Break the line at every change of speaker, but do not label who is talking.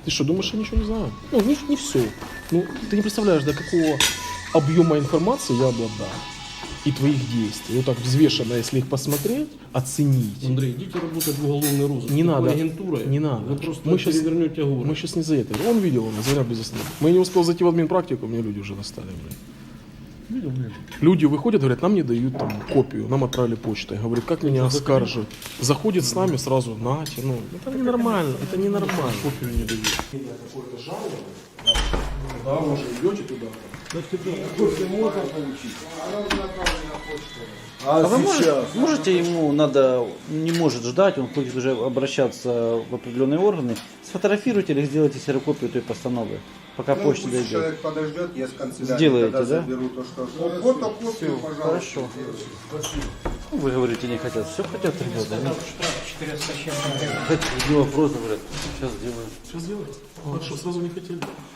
Ты что, думаешь, я ничего не знаю? Ну, не все. Ну, ты не представляешь, до какого объема информации я обладаю. И твоих действий. Вот так взвешенно, если их посмотреть, оценить.
Андрей, идите работать в уголовный розыск.
Не
Такой
надо.
агентурой
Не надо.
Вы просто
Мы щас-
перевернете город.
Мы сейчас не за это. Он видел, он звонят без остановки. Мы не успел зайти в админпрактику, мне люди уже достали. Видел? Люди выходят, говорят, нам не дают там копию, нам отправили почтой. Говорят, как меня оскарживать? Заходит с нами сразу, нате, ну, это ненормально, это ненормально. Копию не дают. Какое-то жалование, да, вы уже идете туда.
А вы можете ему надо, не может ждать, он хочет уже обращаться в определенные органы, сфотографируйте или сделайте ксерокопию той постановы, пока почта
Пусть
дойдет.
человек подождет, я с канцелярии
Сделаете,
тогда
да?
заберу то, что... Фотокопию, пожалуйста.
Хорошо. Ну, вы говорите, не хотят. Все хотят ребята. Хотите, вопрос, говорят. Сейчас сделаем.
Сейчас сделаем. Хорошо, сразу не хотели.